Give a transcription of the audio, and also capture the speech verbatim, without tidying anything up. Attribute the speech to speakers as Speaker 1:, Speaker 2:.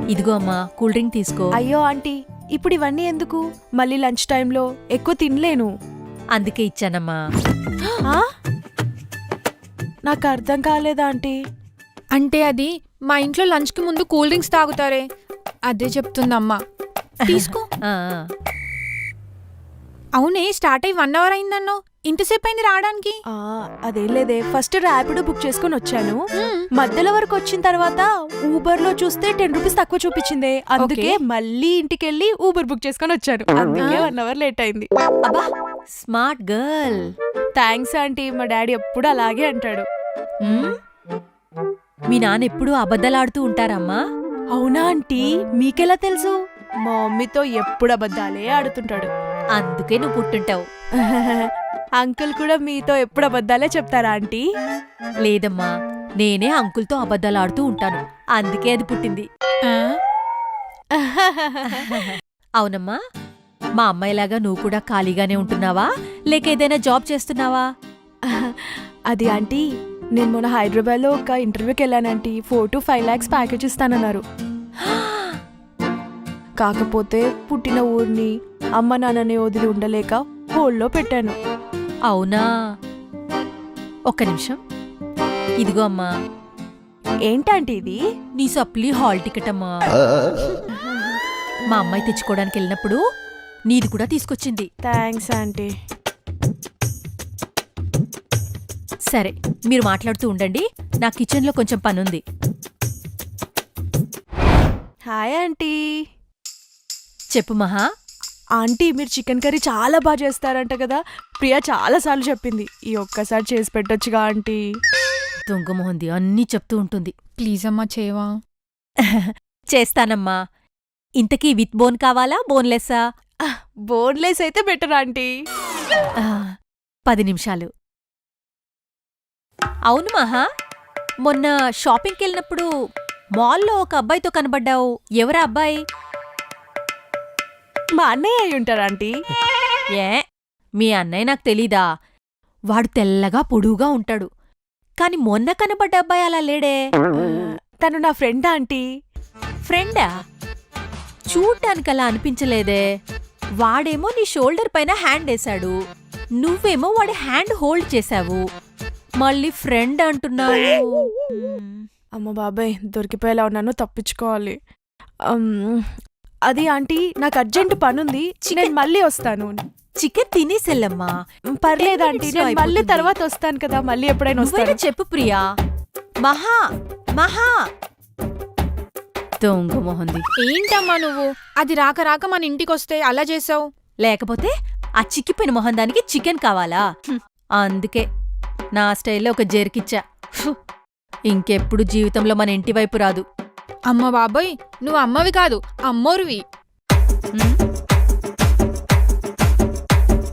Speaker 1: ఇదిగో అమ్మా cool drink తీసుకో.
Speaker 2: అయ్యో ఆంటీ, ఇప్పుడు ఇవన్నీ ఎందుకు? మళ్ళీ లంచ్ టైంలో ఎక్కువ తినలేను.
Speaker 1: అందుకే ఇచ్చానమ్మా.
Speaker 2: ఆ? నాకు అర్థం కాలేదా ఆంటీ?
Speaker 3: అంటే అది మా ఇంట్లో లంచ్కి ముందు కూల్ డ్రింక్స్ తాగుతారే, అదే చెప్తుందమ్మా. తీసుకో.
Speaker 1: ఆ,
Speaker 3: అవునే, స్టార్ట్ అయ్యి వన్ అవర్ అయిందన్నో, ఇంతసేపు అయింది రావడానికి.
Speaker 2: ఆ, అదేం లేదే, ఫస్ట్ ర్యాపిడో బుక్ చేసుకుని వచ్చాను. మధ్యలో వరకు వచ్చిన తర్వాత ఊబర్ లో చూస్తే టెన్ రూపీస్ తక్కువ చూపించింది. అందుకే మళ్ళీ ఇంటికి వెళ్ళి ఊబర్ బుక్ చేసుకుని వచ్చాను. అందుకే వన్ అవర్ లేట్ అయింది.
Speaker 1: అబ్బా స్మార్ట్ గర్ల్.
Speaker 2: థ్యాంక్స్ ఆంటీ, మా డాడీ ఎప్పుడు అలాగే అంటాడు.
Speaker 1: ఉమ్, మీ నాన్న ఎప్పుడూ అబద్ధాలాడుతూ ఉంటారమ్మా.
Speaker 2: అవునా ఆంటీ, మీకెలా తెలుసు? మా మమ్మీతో ఎప్పుడు అబద్ధాలే ఆడుతుంటాడు.
Speaker 1: అందుకే నువ్వు పుట్టుంటావు.
Speaker 2: అంకుల్ కూడా మీతో ఎప్పుడు అబద్ధాలే చెప్తారా ఆంటీ?
Speaker 1: లేదమ్మా, నేనే అంకుల్తో అబద్ధాలాడుతూ ఉంటాను, అందుకే అది పుట్టింది. అవునమ్మా, మా అమ్మాయిలాగా నువ్వు కూడా ఖాళీగానే ఉంటున్నావా, లేక ఏదైనా జాబ్ చేస్తున్నావా?
Speaker 2: అది ఆంటీ, నేను మొన్న హైదరాబాద్లో ఒక ఇంటర్వ్యూకి వెళ్ళానంటీ. Four to five lakhs package ఇస్తానన్నారు. కాకపోతే పుట్టిన ఊరిని అమ్మ నాన్నని వదిలి ఉండలేక హోల్డ్లో పెట్టాను.
Speaker 1: అవునా, ఒక్క నిమిషం. ఇదిగో అమ్మా.
Speaker 2: ఏంటంటే ఇది?
Speaker 1: నీ సప్లీ హాల్ టికెట్ అమ్మా. మా అమ్మాయి తెచ్చుకోవడానికి వెళ్ళినప్పుడు నీది కూడా తీసుకొచ్చింది.
Speaker 2: Thanks aunty.
Speaker 1: సరే, మీరు మాట్లాడుతూ ఉండండి, నా కిచెన్లో కొంచెం పనుంది.
Speaker 2: Hi aunty.
Speaker 1: చెప్పు మహా.
Speaker 2: ఆంటీ, మీరు చికెన్ కర్రీ చాలా బాగా చేస్తారంట కదా, ప్రియా చాలా సార్లు చెప్పింది. ఈ ఒక్కసారి చేసి పెట్టొచ్చుగా ఆంటీ?
Speaker 1: దొంగమోహంది అన్నీ చెప్తూ ఉంటుంది.
Speaker 3: ప్లీజ్ అమ్మా, చేయవా?
Speaker 1: చేస్తానమ్మా. ఇంతకీ విత్ బోన్ కావాలా, బోన్లెస్సా?
Speaker 2: బోన్లెస్ అయితే బెటర్ ఆంటీ.
Speaker 1: ఆ, పది నిమిషాలు. అవును మహా, మొన్న షాపింగ్కి వెళ్ళినప్పుడు మాల్లో ఒక అబ్బాయితో కనబడ్డావు. ఎవరా అబ్బాయి?
Speaker 2: మా అన్నయ్య అయి ఉంటారు ఆంటీ.
Speaker 1: ఏ, మీ అన్నయ్య నాకు తెలీదా? వాడు తెల్లగా పొడువుగా ఉంటాడు, కాని మొన్న కనబడ్డ అబ్బాయి అలా లేడే.
Speaker 2: తను నా ఫ్రెండ్ ఆంటీ.
Speaker 1: ఫ్రెండా? చూడ్డానికి అలా అనిపించలేదే. వాడేమో నీ షోల్డర్ పైన హ్యాండ్ వేశాడు, నువ్వేమో వాడి హ్యాండ్ హోల్డ్ చేశావు, మళ్ళీ ఫ్రెండ్ అంటున్నావు.
Speaker 2: అమ్మ బాబాయ్, దొరికిపోయేలా ఉన్నాను, తప్పించుకోవాలి. అది ఆంటీ, నాకు అర్జెంట్ పనుంది, నేను మళ్ళీ వస్తాను.
Speaker 1: చికెన్ తినేసెల్లమ్మా.
Speaker 2: పర్లేదు ఆంటీ, నేను మళ్ళీ తర్వాత వస్తాను కదా, మళ్ళీ ఎప్పుడైనా వస్తాను.
Speaker 1: చెప్పు ప్రియా. మహా మహా దొంగ మొహంది.
Speaker 3: ఏంటమ్మా నువ్వు, అది రాక రాక మన ఇంటికొస్తే అలా చేసావు?
Speaker 1: లేకపోతే ఆ చిక్కిపోయిన మొహం దానికి చికెన్ కావాలా? అందుకే నా స్టైల్లో ఒక జెర్కిచ్చా. ఇంకెప్పుడు జీవితంలో మన ఇంటి వైపు రాదు.
Speaker 3: అమ్మ బాబోయ్, నువ్వు అమ్మవి కాదు, అమ్మోరువి.